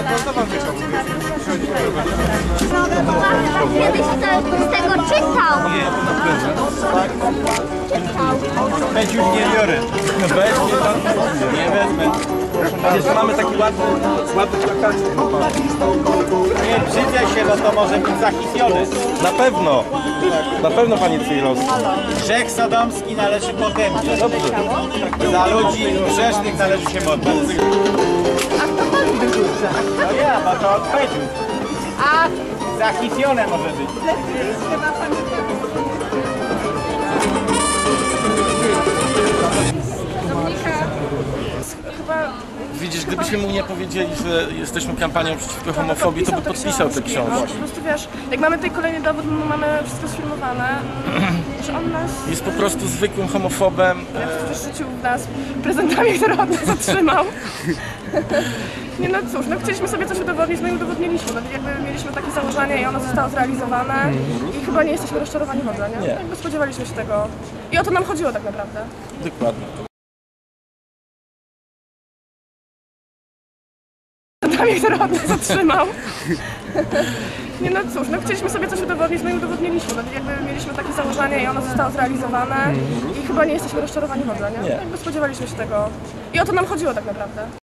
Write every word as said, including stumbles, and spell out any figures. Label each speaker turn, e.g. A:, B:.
A: Kiedyś z tego czytał.
B: Weź już nie biorę. Weź mnie pan. Nie wezmę. Jeszcze mamy taki ładny, ładny plakat. Nie brzydzę się, no to może być zachisiony. Na pewno. Na pewno, panie Cyrowski. Grzech sodomski należy potępić. Dobrze. Za ludzi grzesznych należy się modlić.
A: A kto pan wyrzuca?
B: No ja, bo to odpowiedział.
A: A
B: Zachisione może być.
A: chyba pan...
C: Widzisz, gdybyśmy mu nie powiedzieli, że jesteśmy kampanią przeciwko homofobii, to by podpisał tę książkę.
D: No, po prostu wiesz, jak mamy tutaj kolejny dowód, no, mamy wszystko sfilmowane, że on nas
C: Jest po prostu zwykłym homofobem.
D: wyrzucił w nas prezentami, które od nas otrzymał. Nie no cóż, no chcieliśmy sobie coś udowodnić, no i udowodniliśmy. No, jakby mieliśmy takie założenie i ono zostało zrealizowane i chyba nie jesteśmy rozczarowani w ogóle, nie?
C: Nie.
D: Jakby spodziewaliśmy się tego. I o to nam chodziło tak naprawdę.
C: Dokładnie.
D: Prezentami, które od nas otrzymał. Nie no cóż, no chcieliśmy sobie coś udowodnić, no i udowodniliśmy. No, jakby mieliśmy takie założenie i ono zostało zrealizowane i chyba nie jesteśmy rozczarowani w ogóle, nie?
C: Nie.
D: Jakby spodziewaliśmy się tego. I o to nam chodziło tak naprawdę.